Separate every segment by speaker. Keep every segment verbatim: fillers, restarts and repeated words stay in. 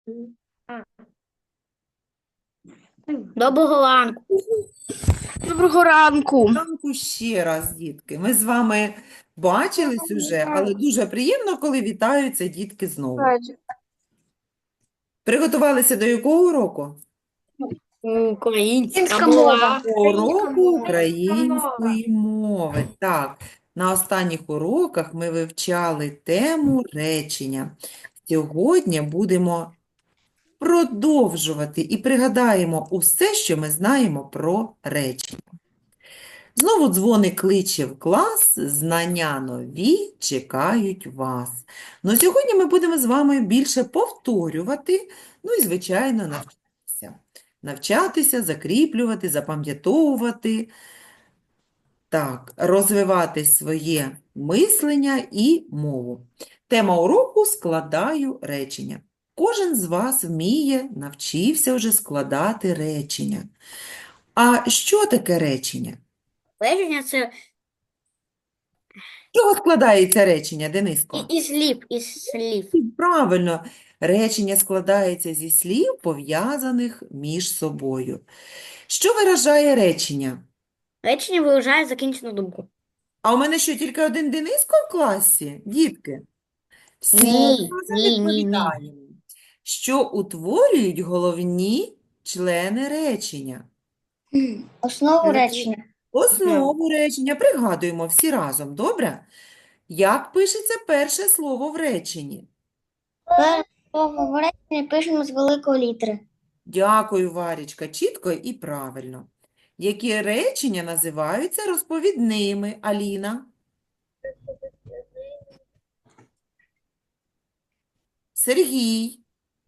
Speaker 1: Доброго ранку. Доброго ранку.
Speaker 2: Ранку ще раз, дітки. Ми з вами бачились уже, але дуже приємно, коли вітаються дітки знову. Приготувалися до якого уроку?
Speaker 1: Українська мова.
Speaker 2: Уроку української мови. Так, на останніх уроках ми вивчали тему речення. Сьогодні будемо продовжувати і пригадаємо усе, що ми знаємо про речення. Знову дзвоник кличе в клас, знання нові чекають вас. Ну, сьогодні ми будемо з вами більше повторювати, ну і, звичайно, навчатися. Навчатися, закріплювати, запам'ятовувати, так, розвивати своє мислення і мову. Тема уроку «Складаю речення». Кожен з вас вміє, навчився вже складати речення. А що таке речення?
Speaker 1: Речення це
Speaker 2: З чого складається речення, Дениско?
Speaker 1: і- із слів, із слів.
Speaker 2: Правильно, речення складається зі слів, пов'язаних між собою. Що виражає речення?
Speaker 1: Речення виражає закінчену думку.
Speaker 2: А у мене що, тільки один Дениско в класі? Дітки? Всі
Speaker 1: Ні,
Speaker 2: разом
Speaker 1: ні, ні, ні.
Speaker 2: відповідаємо. Що утворюють головні члени речення?
Speaker 3: Основу речення.
Speaker 2: Основу речення. Пригадуємо всі разом, добре? Як пишеться перше слово в реченні?
Speaker 3: Перше слово в реченні пишемо з великої літери.
Speaker 2: Дякую, Варічка, чітко і правильно. Які речення називаються розповідними, Аліна? Сергій?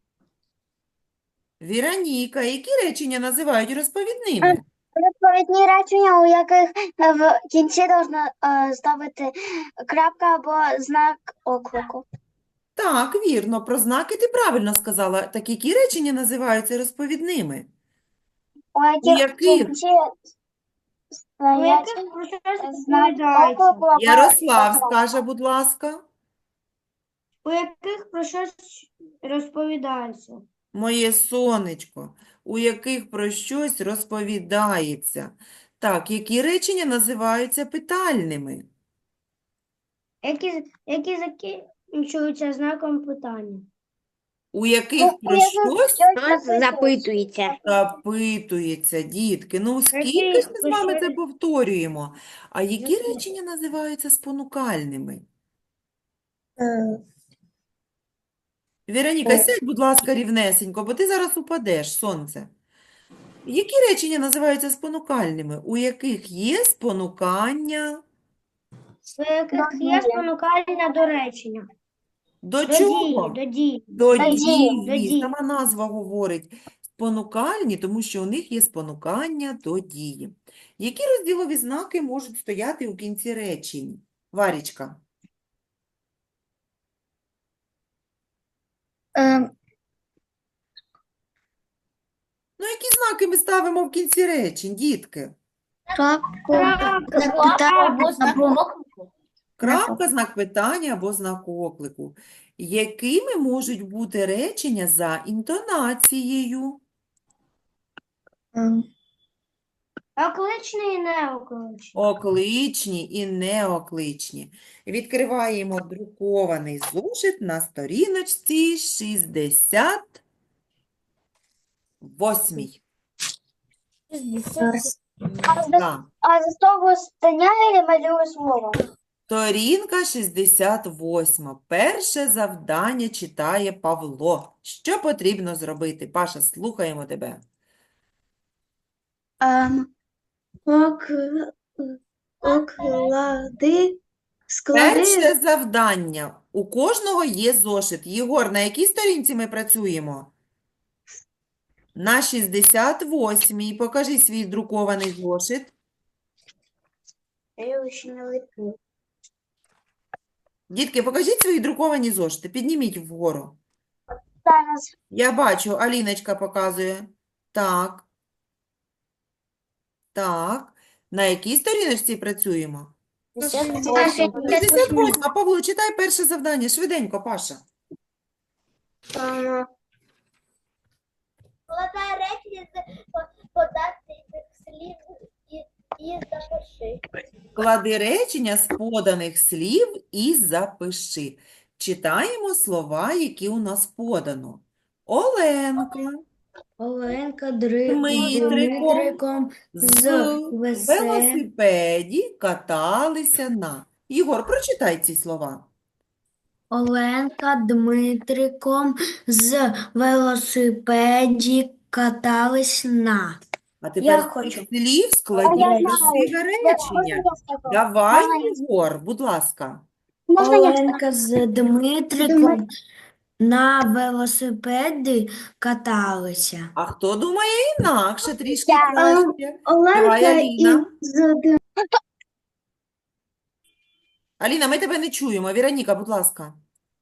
Speaker 2: Віроніка, які речення називають розповідними?
Speaker 3: Відповідні речення, у яких в кінці можна ставити крапка або знак оклику.
Speaker 2: Так, вірно, про знаки ти правильно сказала. Так які речення називаються розповідними?
Speaker 3: У
Speaker 2: У
Speaker 3: яких в
Speaker 2: яких?
Speaker 3: кінці стоять знак оклику або
Speaker 2: Ярослав скаже, будь ласка.
Speaker 4: У яких про щось розповідається.
Speaker 2: Моє сонечко, у яких про щось розповідається. Так, які речення називаються питальними?
Speaker 4: Які, які закінчуються знаком питання.
Speaker 2: У яких
Speaker 3: Ну,
Speaker 2: про
Speaker 3: у яких
Speaker 2: щось
Speaker 1: Нас запитується.
Speaker 2: запитується, дітки. Ну, скільки
Speaker 4: Які
Speaker 2: ж ми з вами це
Speaker 4: про
Speaker 2: повторюємо? А які
Speaker 4: Які?
Speaker 2: речення називаються спонукальними? Віроніка, сядь, будь ласка, рівнесенько, бо ти зараз упадеш, сонце. Які речення називаються спонукальними? У яких є спонукання?
Speaker 4: У яких є спонукальне до речення.
Speaker 2: До
Speaker 4: До дії,
Speaker 2: чого?
Speaker 4: до дії.
Speaker 2: До
Speaker 3: До дії,
Speaker 2: дії.
Speaker 4: до дії.
Speaker 2: Сама назва говорить спонукальні, тому що у них є спонукання до дії. Які розділові знаки можуть стояти у кінці речень? Варічка.
Speaker 3: Е,
Speaker 2: Ну, які знаки ми ставимо в кінці речень, дітки?
Speaker 3: крапку,
Speaker 1: Або знак оклику.
Speaker 2: Крапка, знак питання або знак оклику. Якими можуть бути речення за інтонацією?
Speaker 4: Окличний і неокличний.
Speaker 2: Окличні і неокличні. Відкриваємо друкований зошит на сторіночці шістдесят восьмій. Так.
Speaker 3: а за того стояє і малює слово.
Speaker 2: Сторінка шістдесят восьма. Перше завдання читає Павло. Що потрібно зробити? Паша, слухаємо тебе.
Speaker 5: Ем, ок, оклади, склади,
Speaker 2: Перше завдання. У кожного є зошит. Єгор, на якій сторінці ми працюємо? На шістдесят восьмій. Покажи свій друкований зошит.
Speaker 3: Я його ще не липлю.
Speaker 2: Дітки, покажіть свої друковані зошити. Підніміть вгору.
Speaker 3: Зараз
Speaker 2: Я бачу, Аліночка показує. Так. Так. На якій сторіночці працюємо? шістдесят восьма. Павло, читай перше завдання. Швиденько, Паша.
Speaker 3: Ем,
Speaker 4: Подати слів і, і запиши.
Speaker 2: Склади речення з поданих слів і запиши. Читаємо слова, які у нас подано. Оленка
Speaker 1: Оленка Дри...
Speaker 2: Дмитриком
Speaker 1: Дмитриком
Speaker 2: з
Speaker 1: з весе...
Speaker 2: велосипеді каталися на. Єгор, прочитай ці слова.
Speaker 1: Оленка Дмитриком з велосипеді катались на.
Speaker 2: А тепер з цих
Speaker 1: хочу.
Speaker 2: слів складіть
Speaker 3: Я знаю.
Speaker 2: красиве речення.
Speaker 3: Можна я скажу?
Speaker 2: Давай,
Speaker 3: Можна я-
Speaker 2: Єгор, будь ласка.
Speaker 3: Можна я скажу?
Speaker 1: Оленка з Дмитриком на велосипеді каталися.
Speaker 2: А хто думає інакше, трішки
Speaker 3: Я.
Speaker 2: краще? Давай,
Speaker 5: Оленка
Speaker 2: Аліна.
Speaker 5: із Дмитриком.
Speaker 2: Аліна, ми тебе не чуємо. Віроніка, будь ласка.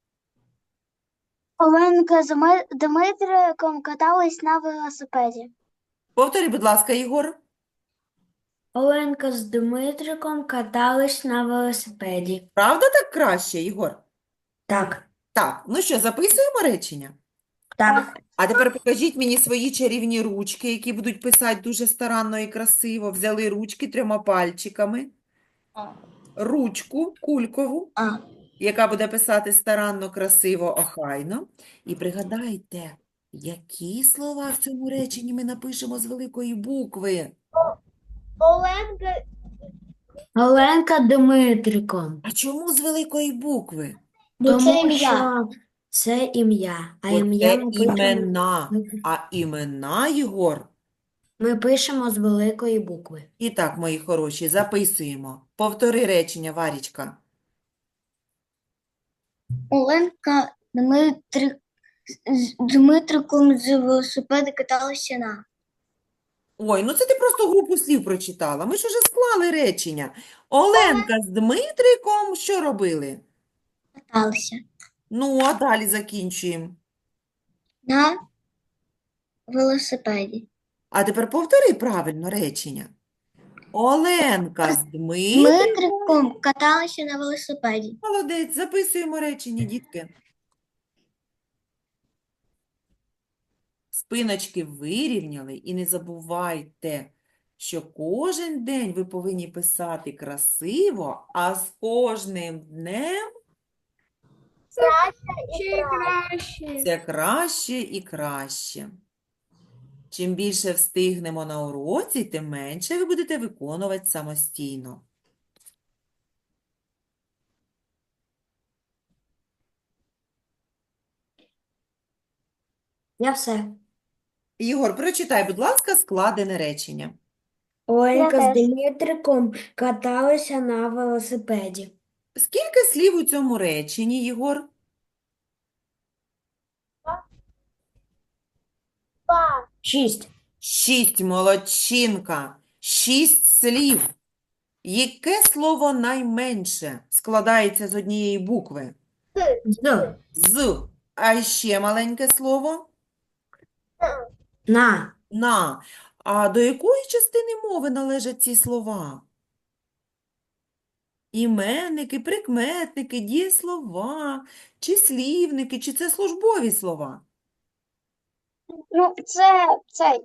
Speaker 3: Оленка з Ми- Дмитриком катались на велосипеді.
Speaker 2: Повтори, будь ласка, Єгор.
Speaker 1: Оленка з Дмитриком катались на велосипеді.
Speaker 2: Правда так краще, Єгор?
Speaker 1: Так,
Speaker 2: Так, ну що, записуємо речення?
Speaker 1: так.
Speaker 2: А тепер покажіть мені свої чарівні ручки, які будуть писати дуже старанно і красиво. Взяли ручки трьома пальчиками. Ручку кулькову,
Speaker 1: А.
Speaker 2: яка буде писати старанно, красиво, охайно. І пригадайте, які слова в цьому реченні ми напишемо з великої букви.
Speaker 4: Оленка
Speaker 1: Оленка Дмитриком.
Speaker 2: А чому з великої букви?
Speaker 1: Тому що це ім'я, а
Speaker 2: Бо
Speaker 1: ім'я
Speaker 2: це
Speaker 1: ми пишемо,
Speaker 2: імена, а імена, Єгор.
Speaker 1: ми пишемо з великої букви.
Speaker 2: І так, мої хороші, записуємо. Повтори речення, Варічка.
Speaker 4: Оленка Дмитрик з Дмитриком з велосипеда каталися на.
Speaker 2: Ой, ну це ти просто групу слів прочитала. Ми ж уже склали речення. Оленка з Дмитриком що робили?
Speaker 4: Каталися
Speaker 2: Ну, а далі закінчуємо.
Speaker 4: на велосипеді.
Speaker 2: А тепер повтори правильно речення. Оленка з Дмитриком.
Speaker 4: Дмитриком каталися на велосипеді.
Speaker 2: Молодець, записуємо речення, дітки. Спиночки вирівняли і не забувайте, що кожен день ви повинні писати красиво, а з кожним днем
Speaker 5: Ще краще.
Speaker 2: це краще і краще. Чим більше встигнемо на уроці, тим менше ви будете виконувати самостійно.
Speaker 1: Я все.
Speaker 2: Ігор, прочитай, будь ласка, складене речення.
Speaker 1: Оленка
Speaker 3: Я
Speaker 1: з
Speaker 3: теж.
Speaker 1: Дмитриком каталися на велосипеді.
Speaker 2: Скільки слів у цьому реченні, Єгор?
Speaker 1: Шість.
Speaker 2: Шість, молодчинка. Шість слів. Яке слово найменше складається з однієї букви?
Speaker 1: З.
Speaker 2: З. А ще маленьке слово?
Speaker 1: На.
Speaker 2: На. А до якої частини мови належать ці слова? Іменники, прикметники, дієслова, числівники, чи це службові слова?
Speaker 3: Ну, це цей.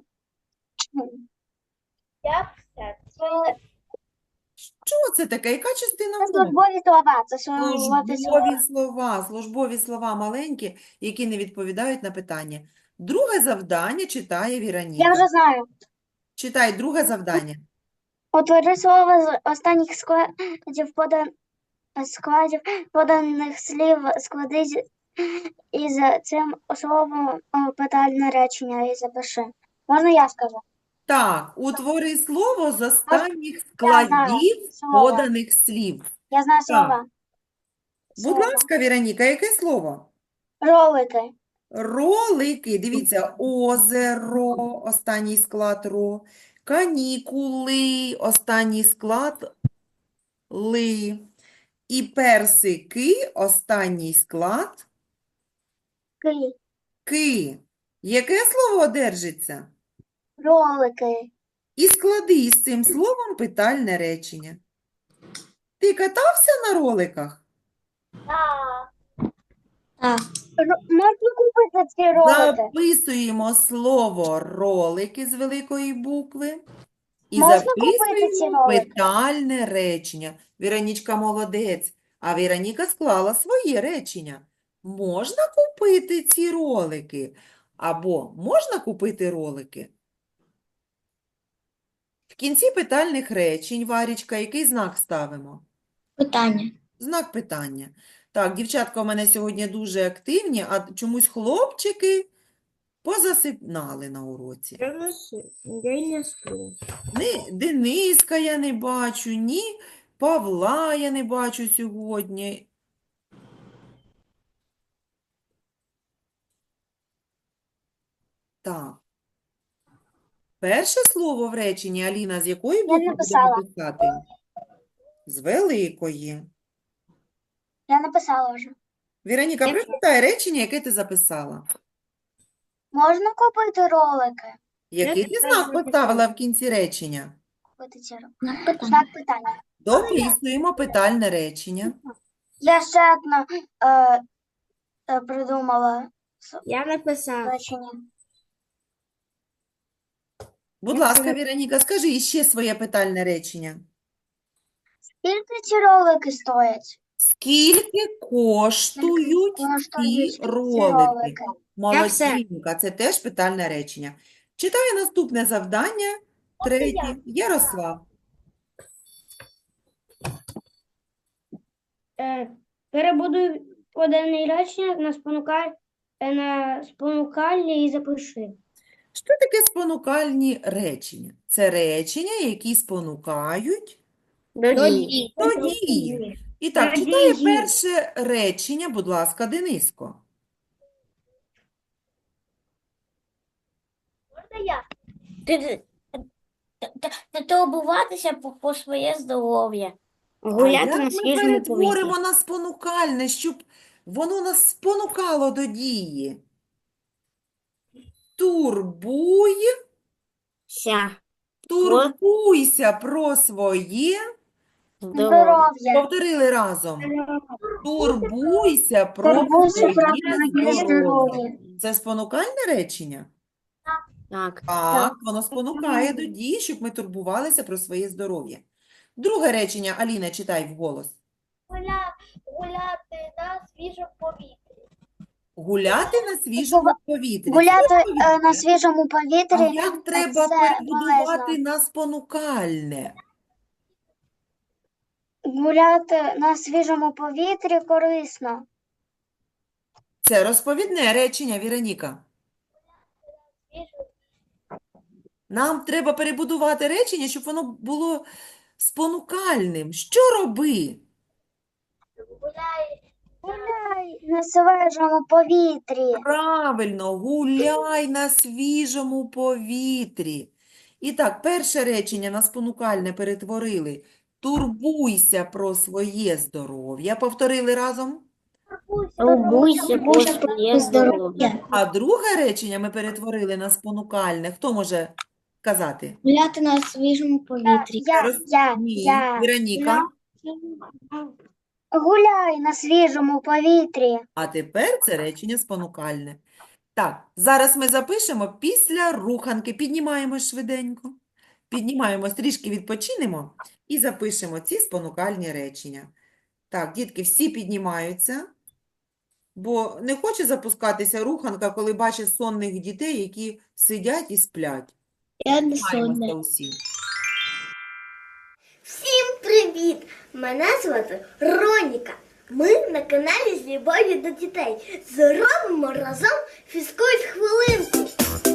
Speaker 4: Я все.
Speaker 3: Це
Speaker 2: Що це таке? Яка частина
Speaker 3: це
Speaker 2: мови?
Speaker 3: службові слова. Це службові слова.
Speaker 2: Службові слова, службові слова маленькі, які не відповідають на питання. Друге завдання читає
Speaker 3: Я
Speaker 2: Віроніка.
Speaker 3: вже знаю.
Speaker 2: Читай друге завдання.
Speaker 3: Утвори слово з останніх складів подан... складів поданих слів, склади з- із цим словом о, питальне речення і запиши. Можна я скажу?
Speaker 2: Так, утвори слово з останніх
Speaker 3: знаю
Speaker 2: складів
Speaker 3: слово.
Speaker 2: поданих слів.
Speaker 3: Я знаю слова.
Speaker 2: Будь
Speaker 3: Слово.
Speaker 2: ласка, Віроніка, яке слово?
Speaker 3: Ролики.
Speaker 2: Ролики, дивіться, озеро, останній склад ро, канікули, останній склад ли, і персики, останній склад
Speaker 3: Ки.
Speaker 2: ки. Яке слово одержиться?
Speaker 3: Ролики.
Speaker 2: І склади із цим словом питальне речення. Ти катався на роликах?
Speaker 1: А.
Speaker 3: Р- Можна купити ці ролики?
Speaker 2: Записуємо слово ролики з великої букви і
Speaker 3: Можна купити ці
Speaker 2: записуємо
Speaker 3: ролики?
Speaker 2: питальне речення. Віронічка молодець, а Віроніка склала своє речення. Можна купити ці ролики? Або можна купити ролики? В кінці питальних речень, Варічка, який знак ставимо?
Speaker 1: Питання.
Speaker 2: Знак питання. Так, дівчатка у мене сьогодні дуже активні, а чомусь хлопчики позасипнали на уроці.
Speaker 5: Я не сплю. Я не сплю.
Speaker 2: Ні Дениска я не бачу, ні Павла я не бачу сьогодні. Так. Перше слово в реченні, Аліна, з якої букви будемо
Speaker 3: написала.
Speaker 2: писати? З великої.
Speaker 3: Я написала вже.
Speaker 2: Віроніка,
Speaker 5: Я-
Speaker 2: прочитай речення, яке ти записала.
Speaker 3: Можна купити ролики?
Speaker 2: Який
Speaker 5: Я
Speaker 2: ти
Speaker 5: теж
Speaker 2: знак
Speaker 5: записала.
Speaker 2: поставила в кінці речення?
Speaker 3: Купити ці ролики.
Speaker 1: Питання.
Speaker 3: Знак питання.
Speaker 2: Дописуємо питальне речення.
Speaker 3: Я ще одне е, е, придумала с-
Speaker 5: Я написав.
Speaker 3: речення.
Speaker 2: Будь ласка, Віроніка, скажи іще своє питальне речення.
Speaker 3: Скільки ці ролики стоять?
Speaker 2: Скільки коштують
Speaker 3: Коштують
Speaker 2: ці
Speaker 3: ці
Speaker 2: ролики?
Speaker 3: ролики?
Speaker 2: Молодчинка, це теж питальне речення. Читаю наступне завдання, третє. Ярослав.
Speaker 4: Е, перебудуй поданий речення на спонукаль... е, на спонукальні і запиши.
Speaker 2: Що таке спонукальні речення? Це речення, які спонукають
Speaker 4: До
Speaker 2: до
Speaker 4: дії.
Speaker 2: дії. І так,
Speaker 4: До
Speaker 2: читає
Speaker 4: дії.
Speaker 2: перше речення, будь ласка, Дениско.
Speaker 1: Турбуватися про своє здоров'я.
Speaker 2: А
Speaker 4: Гуляти
Speaker 2: як
Speaker 4: на
Speaker 2: ми
Speaker 4: свіжому
Speaker 2: перетворимо
Speaker 4: повітрі.
Speaker 2: на спонукальне, щоб воно нас спонукало до дії? Турбуй,
Speaker 4: Ся.
Speaker 2: турбуйся про своє.
Speaker 3: Здоров'я.
Speaker 2: Повторили разом. Турбуйся про
Speaker 3: Турбуйся про
Speaker 2: своє
Speaker 3: своє
Speaker 2: здоров'я.
Speaker 3: здоров'я.
Speaker 2: Це спонукальне речення?
Speaker 4: Так.
Speaker 2: Так, воно спонукає до дії, щоб ми турбувалися про своє здоров'я. Друге речення, Аліна, читай вголос.
Speaker 1: Гуляти на свіжому повітрі.
Speaker 2: Гуляти на свіжому повітрі. Це
Speaker 3: Гуляти е,
Speaker 2: повітря.
Speaker 3: на свіжому
Speaker 2: А
Speaker 3: повітрі.
Speaker 2: як треба
Speaker 3: це
Speaker 2: перебудувати
Speaker 3: полезно.
Speaker 2: на спонукальне?
Speaker 3: Гуляти на свіжому повітрі корисно.
Speaker 2: Це розповідне речення, Віроніка. Нам треба перебудувати речення, щоб воно було спонукальним. Що роби?
Speaker 3: Гуляй на свіжому повітрі.
Speaker 2: Правильно, гуляй на свіжому повітрі. І так, перше речення на спонукальне перетворили. Турбуйся про своє здоров'я. Повторили разом.
Speaker 4: Турбуйся про своє здоров'я.
Speaker 2: А друге речення ми перетворили на спонукальне. Хто може сказати?
Speaker 1: Гуляти на свіжому повітрі.
Speaker 3: Я,
Speaker 2: Роз-
Speaker 3: я,
Speaker 2: Ні,
Speaker 3: я.
Speaker 2: Віроніка.
Speaker 3: Гуляй на свіжому повітрі.
Speaker 2: А тепер це речення спонукальне. Так, зараз ми запишемо після руханки. Піднімаємось швиденько. Піднімаємось, трішки відпочинемо і запишемо ці спонукальні речення. Так, дітки, всі піднімаються, бо не хоче запускатися руханка, коли бачить сонних дітей, які сидять і сплять.
Speaker 1: Я не
Speaker 2: Піднімаємося
Speaker 1: сонна.
Speaker 2: усі.
Speaker 6: Всім привіт! Мене звати Роніка. Ми на каналі з любов'ю до дітей. Зробимо разом фізкульт хвилинку.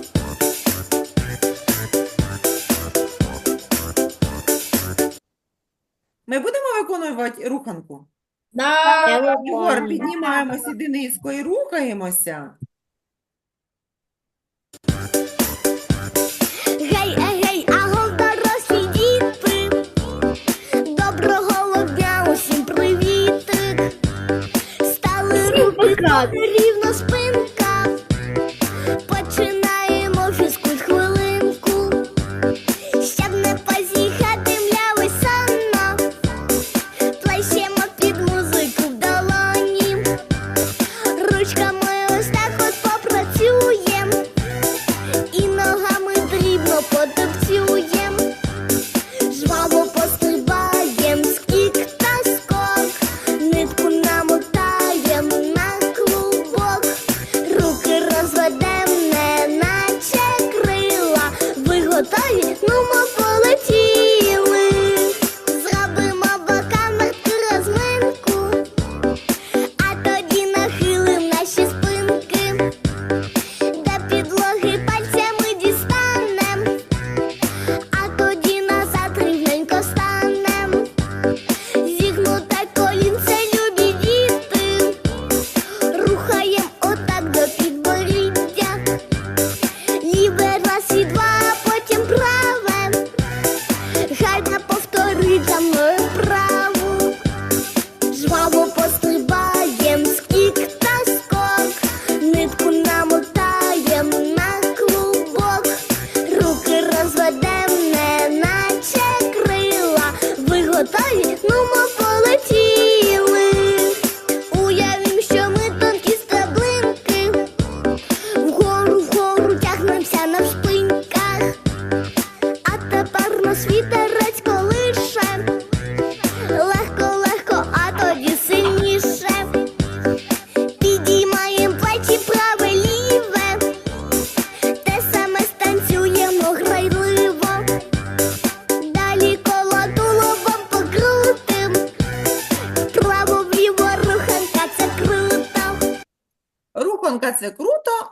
Speaker 2: Ми будемо виконувати руханку?
Speaker 4: Я
Speaker 2: Єгор,
Speaker 4: виконую.
Speaker 2: піднімаємося Дениско і рухаємося.
Speaker 6: Гей, гей, аго, дорослі діти. Доброго дня, усім привітик. Стали руки рівно спинка. Починаємо фізкульт хвилинку. Щоб не позіхати, мляви сонно. Плещемо під музику в долоні.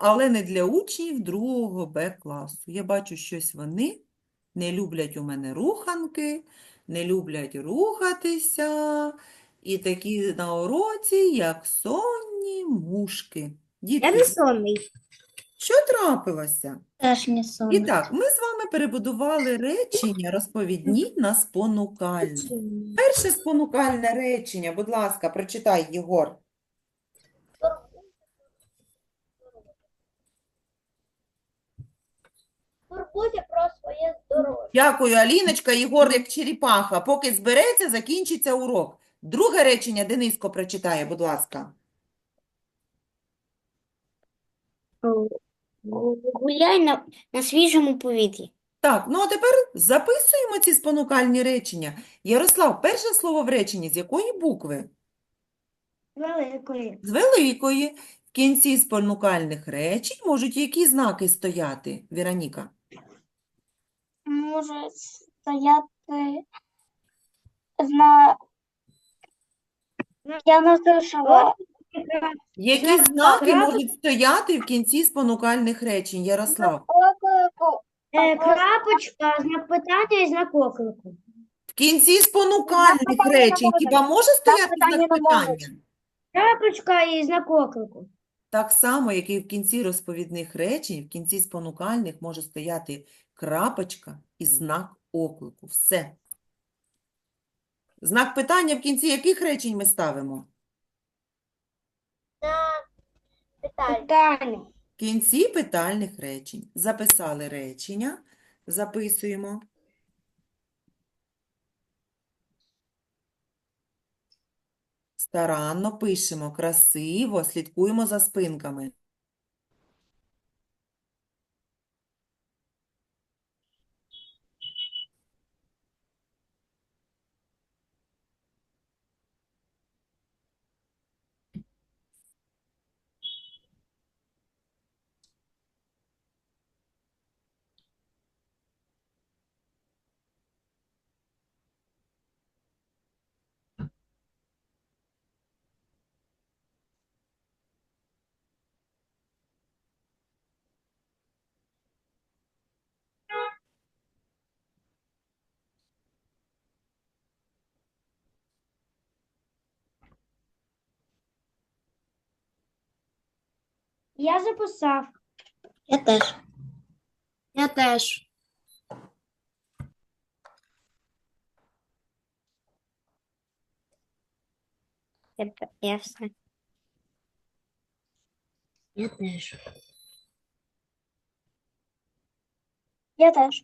Speaker 2: але не для учнів другого Б класу. Я бачу, щось вони не люблять у мене руханки, не люблять рухатися, і такі на уроці, як сонні мушки.
Speaker 5: Я
Speaker 2: Дітки,
Speaker 5: не сонний.
Speaker 2: що трапилося?
Speaker 3: Теж не
Speaker 2: І
Speaker 3: сонний.
Speaker 2: так, ми з вами перебудували речення розповідні на спонукальні. Перше спонукальне речення, будь ласка, прочитай, Єгор.
Speaker 6: Турбуйся про своє здоров'я.
Speaker 2: Дякую, Аліночка. Єгор, як черепаха. Поки збереться, закінчиться урок. Друге речення Дениско прочитає, будь ласка.
Speaker 5: Гуляй на, на свіжому повітрі.
Speaker 2: Так, ну а тепер записуємо ці спонукальні речення. Ярослав, перше слово в реченні з якої букви?
Speaker 4: Великої.
Speaker 2: З великої. В кінці спонукальних речень можуть які знаки стояти, Віроніка?
Speaker 3: Може стояти зна... Я не слышала.
Speaker 2: Які
Speaker 4: Знак
Speaker 2: знаки
Speaker 4: крапочки.
Speaker 2: можуть стояти в кінці спонукальних речень, Ярослав?
Speaker 3: Оклику.
Speaker 4: Е, крапочка, знак питання і знак оклику.
Speaker 2: В кінці спонукальних
Speaker 3: питання не
Speaker 2: речень
Speaker 3: може.
Speaker 2: хіба може стояти
Speaker 3: питання
Speaker 2: знак
Speaker 3: не може.
Speaker 2: питання?
Speaker 4: Крапочка і знак оклику.
Speaker 2: Так само, як і в кінці розповідних речень, в кінці спонукальних може стояти крапочка і знак оклику. Все. Знак питання в кінці яких речень ми ставимо?
Speaker 6: Питання.
Speaker 4: Питання.
Speaker 2: В кінці питальних речень. Записали речення, записуємо. Старанно пишемо, красиво, слідкуємо за спинками.
Speaker 4: Я записав.
Speaker 5: Я теж. Я теж. Я, те- я все. Я теж.
Speaker 3: Я теж.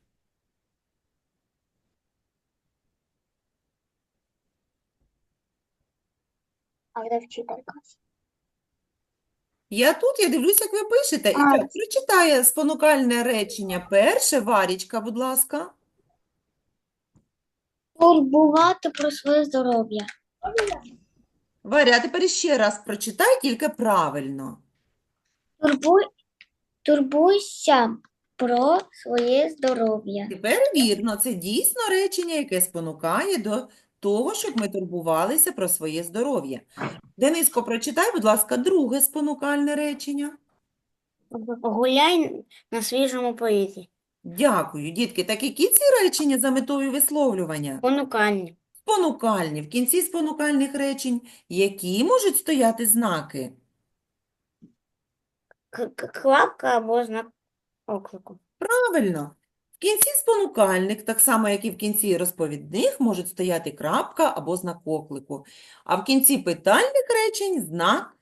Speaker 3: А де вчителька?
Speaker 2: Я тут, я дивлюсь, як ви пишете. І
Speaker 3: А.
Speaker 2: так, прочитає спонукальне речення перше. Варічка, будь ласка.
Speaker 5: Турбувати про своє здоров'я.
Speaker 2: Варя, а тепер ще раз прочитай, тільки правильно.
Speaker 5: Турбуй, турбуйся про своє здоров'я.
Speaker 2: Тепер вірно, це дійсно речення, яке спонукає до того, щоб ми турбувалися про своє здоров'я. Дениско, прочитай, будь ласка, друге спонукальне речення.
Speaker 5: Гуляй на свіжому повітрі.
Speaker 2: Дякую, дітки. Так які ці речення за метою висловлювання?
Speaker 5: Понукальні.
Speaker 2: Спонукальні. В кінці спонукальних речень які можуть стояти знаки?
Speaker 5: К- к- Клапка або знак оклику.
Speaker 2: Правильно. В кінці спонукальних, так само, як і в кінці розповідних, можуть стояти крапка або знак оклику. А в кінці питальних речень знак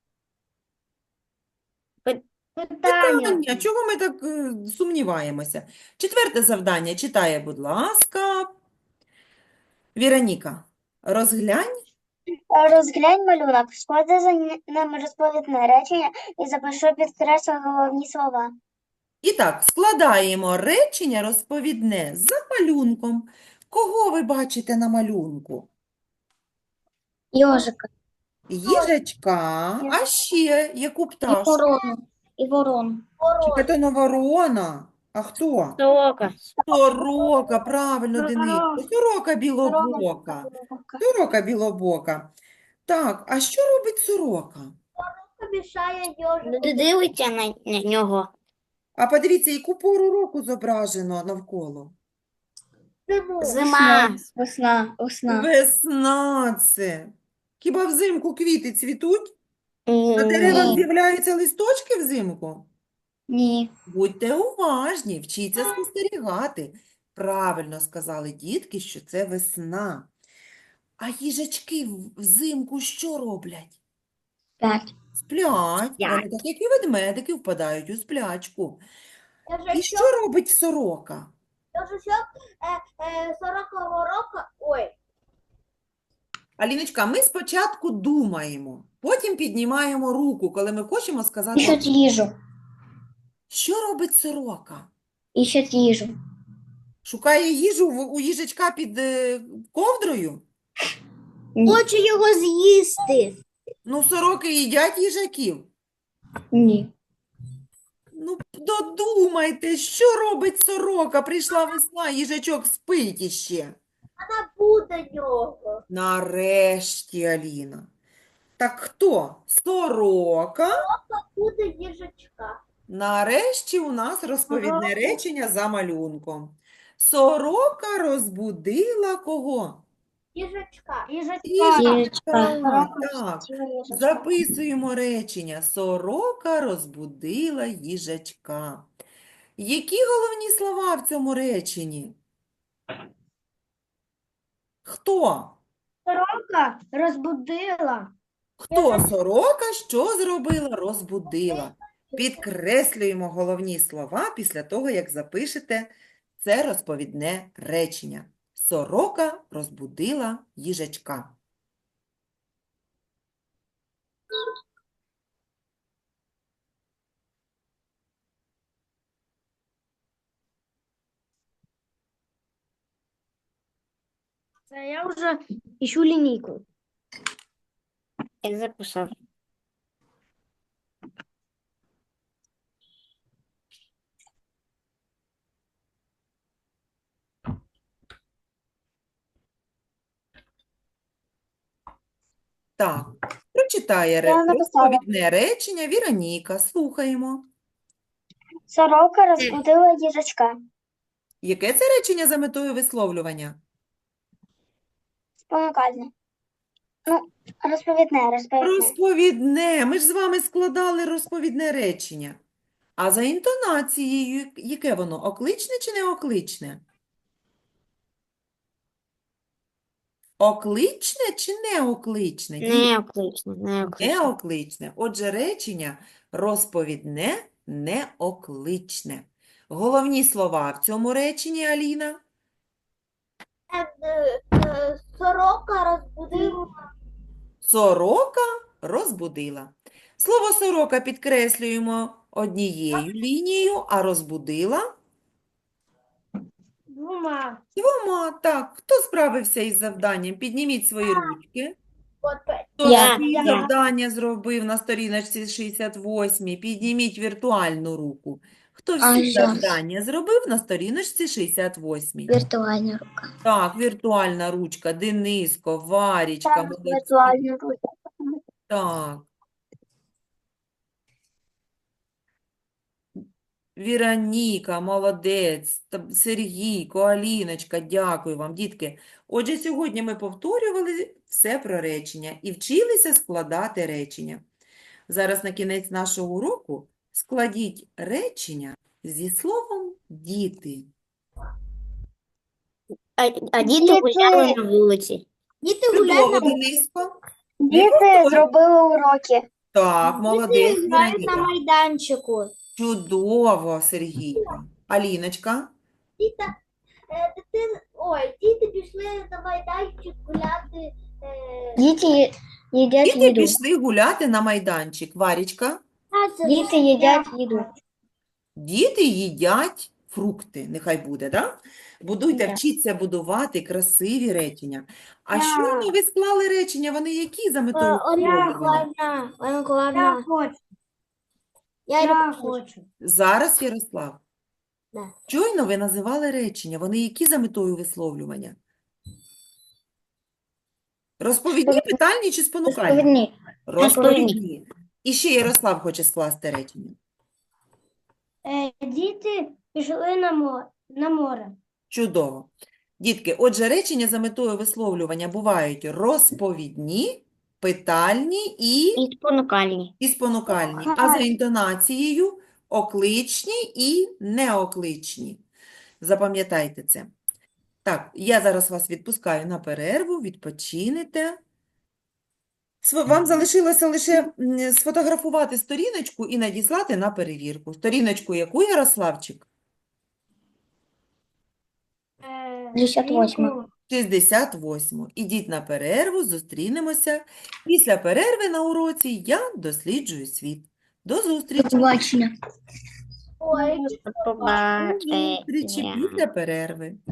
Speaker 4: Питання.
Speaker 2: питання. Чого ми так е, сумніваємося? Четверте завдання читає, будь ласка. Віроніка, розглянь.
Speaker 3: Розглянь малюнок, склади за ним розповідне речення і запиши підкреслю головні слова.
Speaker 2: І так, складаємо речення розповідне за малюнком. Кого ви бачите на малюнку?
Speaker 5: Йожика.
Speaker 2: Їжачка, а ще яку
Speaker 5: І
Speaker 2: пташку?
Speaker 5: ворону. І ворону.
Speaker 2: Чи це не ворона? А хто?
Speaker 5: Сорока.
Speaker 2: Сорока, правильно, Дениско.
Speaker 4: Сорока.
Speaker 2: Сорока білобока. Сорока білобока. Так, а що робить сорока?
Speaker 6: мішає йожику.
Speaker 5: Люди дивиться на, на нього.
Speaker 2: А подивіться, яку пору року зображено навколо.
Speaker 6: Зиму.
Speaker 5: Зима. Весна. Весна.
Speaker 2: Весна це. Хіба взимку квіти цвітуть? На деревах
Speaker 5: Ні.
Speaker 2: з'являються листочки взимку?
Speaker 5: Ні.
Speaker 2: Будьте уважні, вчіться спостерігати. Правильно сказали дітки, що це весна. А їжачки в- взимку що роблять?
Speaker 5: П'ять.
Speaker 2: Сплять.
Speaker 5: Сплять.
Speaker 2: Вони, так як і ведмедики, впадають у сплячку. І
Speaker 6: Їжачок,
Speaker 2: що робить сорока?
Speaker 6: їжачок е, е, сорокового року. Ой.
Speaker 2: Аліночка, ми спочатку думаємо, потім піднімаємо руку, коли ми хочемо сказати,
Speaker 5: Іщуть їжу.
Speaker 2: що робить сорока?
Speaker 5: Іщуть їжу.
Speaker 2: Шукає їжу в- у їжачка під е, ковдрою?
Speaker 6: Хочу його з'їсти.
Speaker 2: Ну, сороки їдять їжаків.
Speaker 5: Ні.
Speaker 2: Ну, додумайте, що робить сорока? Прийшла весна, їжачок спить іще.
Speaker 6: Вона буде нього.
Speaker 2: Нарешті, Аліна. Так хто? Сорока.
Speaker 6: Буде їжачка.
Speaker 2: Нарешті у нас розповідне речення за малюнком. Сорока розбудила кого?
Speaker 6: Їжачка.
Speaker 4: Їжачка.
Speaker 2: Їжачка.
Speaker 5: Їжачка.
Speaker 2: Так, записуємо речення. Сорока розбудила їжачка. Які головні слова в цьому реченні? Хто?
Speaker 4: Сорока розбудила.
Speaker 2: Хто сорока що зробила? Розбудила. Підкреслюємо головні слова після того, як запишете це розповідне речення. Сорока розбудила їжачка.
Speaker 4: Це я вже іщу лінійку.
Speaker 5: Я записав.
Speaker 2: Так, прочитає ре-
Speaker 3: Я написала.
Speaker 2: розповідне речення Віроніка. Слухаємо.
Speaker 3: Сорока розбудила їжачка.
Speaker 2: Яке це речення за метою висловлювання?
Speaker 3: Спонукальне. Ну, розповідне, розповідне.
Speaker 2: Розповідне. Ми ж з вами складали розповідне речення. А за інтонацією, яке воно? Окличне чи неокличне? Окличне чи неокличне? Діти?
Speaker 5: Неоклично. Неоклично.
Speaker 2: Неокличне. Отже, речення розповідне, неокличне. Головні слова в цьому реченні, Аліна?
Speaker 6: Е, е, е, Сорока розбудила.
Speaker 2: Сорока розбудила. Слово сорока підкреслюємо однією лінією, а розбудила
Speaker 4: Двома.
Speaker 2: двома. Так, хто справився із завданням? Підніміть свої ручки.
Speaker 6: От, е,
Speaker 2: Хто
Speaker 5: Я.
Speaker 2: всі
Speaker 5: Я.
Speaker 2: завдання зробив на сторіночці шістдесят восьмій? Підніміть віртуальну руку. Хто
Speaker 5: А,
Speaker 2: всі
Speaker 5: щас.
Speaker 2: завдання зробив на сторіночці шістдесят восьмій?
Speaker 5: Віртуальна рука.
Speaker 2: Так, віртуальна ручка, Дениско, Варічка,
Speaker 3: Так,
Speaker 2: молодці.
Speaker 3: віртуальну ручку.
Speaker 2: Так. Віроніка, молодець, та- Сергійко, Аліночка, дякую вам, дітки. Отже, сьогодні ми повторювали все про речення і вчилися складати речення. Зараз на кінець нашого уроку складіть речення зі словом «діти».
Speaker 5: А, а діти
Speaker 3: Діти.
Speaker 5: гуляли на вулиці.
Speaker 6: Діти
Speaker 2: Чудово,
Speaker 6: гуляють на
Speaker 2: Дениско.
Speaker 3: Діти
Speaker 2: повторюй.
Speaker 3: зробили уроки.
Speaker 2: Так, молодець,
Speaker 6: грають на
Speaker 2: Віроніка.
Speaker 6: майданчику.
Speaker 2: Чудово, Сергійко. Аліночка.
Speaker 6: Діта, е, дитин, ой, діти пішли на майданчик гуляти. Е,
Speaker 5: Діти ї- їдять
Speaker 2: Діти
Speaker 5: їду.
Speaker 2: пішли гуляти на майданчик. Варічка.
Speaker 5: Діти їдять їду.
Speaker 2: Діти їдять фрукти. Нехай буде, да? Будуйте,
Speaker 5: Да.
Speaker 2: вчіться будувати красиві речення. А щойно ви склали речення, вони які за метою висловлювання?
Speaker 6: Ладно,
Speaker 4: Я
Speaker 6: ладно.
Speaker 4: хочу.
Speaker 6: Я
Speaker 4: Я
Speaker 6: люблю.
Speaker 4: хочу.
Speaker 2: Зараз, Ярослав.
Speaker 6: Да.
Speaker 2: Щойно ви називали речення, вони які за метою висловлювання? Розповідні, питальні чи спонукальні?
Speaker 5: Розповідні.
Speaker 2: Розповідні. І ще Ярослав хоче скласти речення.
Speaker 4: Е, Діти пішли на море. На море.
Speaker 2: Чудово. Дітки, отже, речення за метою висловлювання бувають розповідні, питальні і,
Speaker 5: І спонукальні.
Speaker 2: і спонукальні, а за інтонацією окличні і неокличні. Запам'ятайте це. Так, я зараз вас відпускаю на перерву, відпочинете. Св- Вам залишилося лише м, сфотографувати сторіночку і надіслати на перевірку. Сторіночку яку, Ярославчик?
Speaker 4: Е,
Speaker 5: шістдесят восьма.
Speaker 4: сторінку
Speaker 2: шістдесят восьму. Ідіть на перерву, зустрінемося. Після перерви на уроці я досліджую світ. До зустрічі.
Speaker 5: Побачення.
Speaker 6: Ой,
Speaker 2: До зустрічі
Speaker 5: Побачення.
Speaker 2: після перерви.